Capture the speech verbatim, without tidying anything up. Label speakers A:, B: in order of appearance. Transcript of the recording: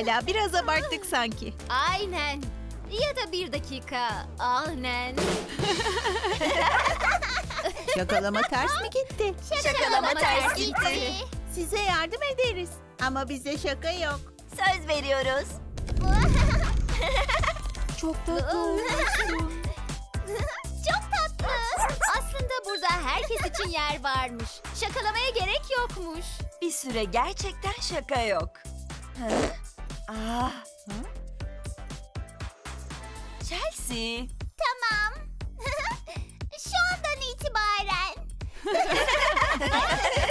A: Pekala, biraz abarttık sanki.
B: Aynen. Ya da bir dakika. Aynen.
A: Şakalama ters mi gitti?
C: Şakalama ters gitti.
A: Size yardım ederiz. Ama bize şaka yok.
C: Söz veriyoruz.
A: Çok tatlı olmuşsun.
B: Çok tatlı. Aslında burada herkes için yer varmış. Şakalamaya gerek yokmuş.
C: Bir süre gerçekten şaka yok. Hı? Ah. Chelsea.
B: Tamam. Şu andan itibaren.